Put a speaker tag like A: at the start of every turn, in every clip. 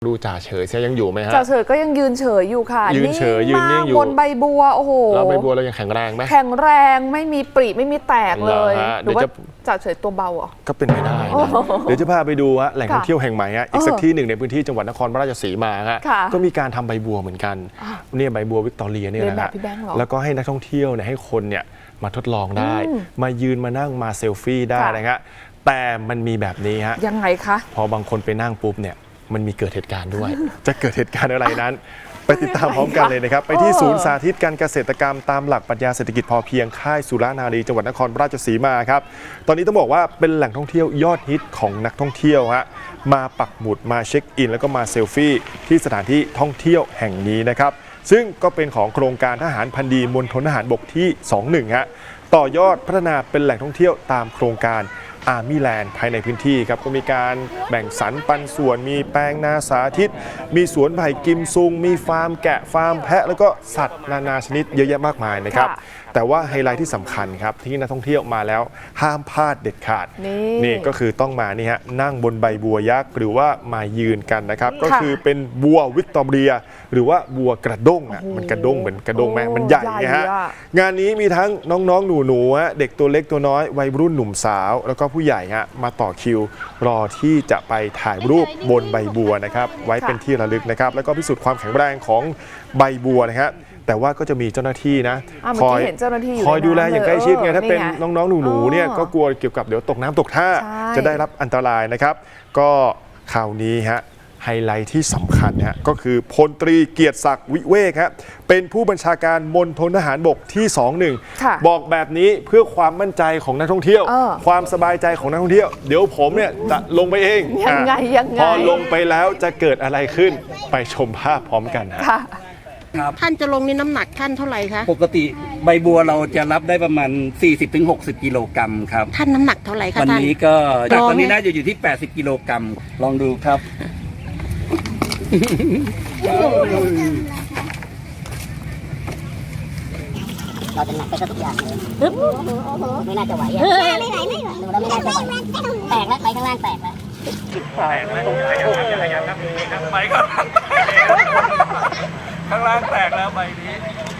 A: ดูจ่าเฉยยังอยู่ไหมฮะ
B: จ่าเฉยก็ยังยืนเฉยอยู่ค่ะ
A: ยืนเฉยยืนนิ่งอยู่
B: บนใบบัวโอ้โห
A: แล้วใบบัวเรายังแข็งแรงไหม
B: แข็งแรงไม่มีปริไม่มีแตกเลยหรือว่าจ่าเฉยตัวเบาอ่ะ
A: ก็เป็นไปได้นะเดี๋ยวจะพาไปดูฮะแหล่งท่องเที่ยวแห่งใหม่ฮะอีกสักที่หนึ่งในพื้นที่จังหวัดนครราชสีมาฮะก็มีการทำใบบัวเหมือนกันเนี่ยใบบัววิกตอเรียเนี่ยนะฮะแล้วก็ให้นักท่องเที่ยวเนี่ยให้คนเนี่ยมาทดลองได้มายืนมานั่งมาเซลฟี่ได้นะฮะแต่มันมีแบบนี้ฮะ
B: ยังไงคะ
A: พอบางคนไปนั่งปุ๊บเนี่ยมันมีเกิดเหตุการณ์ด้วยจะเกิดเหตุการณ์อะไรนั้นไปติดตามพร้อมกันเลยนะครับไปที่ศูนย์สาธิตการเกษตรกรรมตามหลักปรัชญาเศรษฐกิจพอเพียงค่ายสุรานารีจังหวัดนครราชสีมาครับตอนนี้ต้องบอกว่าเป็นแหล่งท่องเที่ยวยอดฮิตของนักท่องเที่ยวฮะมาปักหมุดมาเช็คอินแล้วก็มาเซลฟี่ที่สถานที่ท่องเที่ยวแห่งนี้นะครับซึ่งก็เป็นของโครงการทหารพันดีมณฑลทหารบกที่21ฮะต่อยอดพัฒนาเป็นแหล่งท่องเที่ยวตามโครงการอาร์มี่แลนด์ภายในพื้นที่ครับก็มีการแบ่งสรรปันส่วนมีแปลงนาสาธิตมีสวนไผ่กิมซุงมีฟาร์มแกะฟาร์มแพะแล้วก็สัตว์นานาชนิดเยอะแยะมากมายนะครับแต่ว่าไฮไลท์ที่สำคัญครับที่นักท่องเที่ยวมาแล้วห้ามพลาดเด็ดขาดนี่ก็คือต้องมานี่ฮะนั่งบนใบบัวยักษ์หรือว่ามายืนกันนะครับก็คือเป็นบัววิกตอเรียหรือว่าบัวกระด้งอ่ะมันกระด้งเหมือนกระด้งไหมมันใหญ่ไงฮะงานนี้มีทั้งน้องๆหนูๆเด็กตัวเล็กตัวน้อยวัยรุ่นหนุ่มสาวแล้วก็ผู้ใหญ่ฮะมาต่อคิวรอที่จะไปถ่ายรูปบนใบบัวนะครับไว้เป็นที่ระลึกนะครับแล้วก็พิสูจน์ความแข็งแรงของใบบัวนะครับแต่ว่าก็จะมีเจ้าหน้าที่นะคอยดูแลอย่างใกล้ชิดไงถ้าเป็นน้องๆหนูๆเนี่ยก็กลัวเกี่ยวกับเดี๋ยวตกน้ำตกท่าจะได้รับอันตรายนะครับก็คราวนี้ฮะไฮไลท์ที่สำคัญฮะก็คือพลตรีเกียรติศักดิ์วิเวกฮะเป็นผู้บัญชาการมณฑลทหารบกที่21บอกแบบนี้เพื่อความมั่นใจของนักท่องเที่ยวความสบายใจของนักท่องเที่ยวเดี๋ยวผมเนี่ยจะลงไปเอง
B: ยังไง
A: พอลงไปแล้วจะเกิดอะไรขึ้นไปชมภาพพร้อมกันฮะ
C: ท่านจะลงนี่น้ำหนักท่านเท่าไหร่คะ
D: ปกติใบบัวเราจะรับได้ประมาณ 40-60 กิโลกรัมครับ
C: ท่านน้ำหนักเท่าไหร่คะ
D: วันนี้ก็ตอนนี้น่าจะอยู่ที่80กิโลกรัมลองดูครับ
E: เราจะหนักไปทุกอย่างเลยไม่น่าจะไหวไม่ไหวดูแล้วไม่น่าจะไหวแตกแล้วไปข้างล่างแตกแล้ว
D: ไปก่อนข้างล่างแตกแล้วใบนี้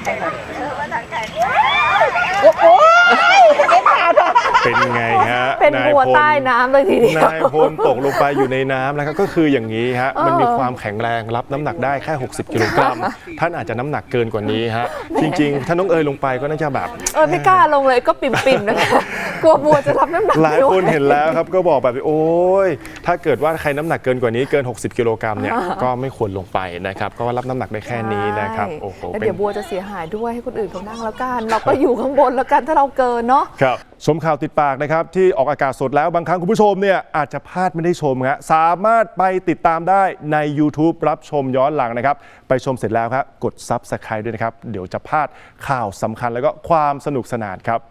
A: เป็นไงฮะ
B: เป็นบัวใต้น้ำเลยทีเดียวน
A: ายพลตกลงไปอยู่ในน้ำนะครับก็คืออย่างนี้ฮะมันมีความแข็งแรงรับน้ำหนักได้แค่60กิโลกรัมท่านอาจจะน้ำหนักเกินกว่านี้ฮะจริงๆถ้าน้องเอ๋ยลงไปก็น่าจะแบบ
B: ไม่กล้าลงเลยก็ปิ่มๆนะคะกลัวบัวจะรับน้ำหนัก
A: หลายคนเห็นแล้วครับก็บอกแบบโอ้ยถ้าเกิดว่าใครน้ำหนักเกินกว่านี้เกิน60กิโลกรัมเนี่ยก็ไม่ควรลงไปนะครับก็รับน้ำหนักได้แค่นี้นะครับโอ้โห
B: แล้วเดี๋ยวบัวจะเสียหายด้วยให้คนอื่นเขานั่งแล้วกันเราก็อยู่ข้างบนแล้วกันถ้าเราเกินเนาะ
A: ครับชมข่าวติดปากนะครับที่ออกอากาศสดแล้วบางครั้งคุณผู้ชมเนี่ยอาจจะพลาดไม่ได้ชมครับสามารถไปติดตามได้ใน YouTube รับชมย้อนหลังนะครับไปชมเสร็จแล้วครับกด Subscribe ด้วยนะครับเดี๋ยวจะพลาดข่าวสำคัญแล้วก็ความสนุกสนานครับ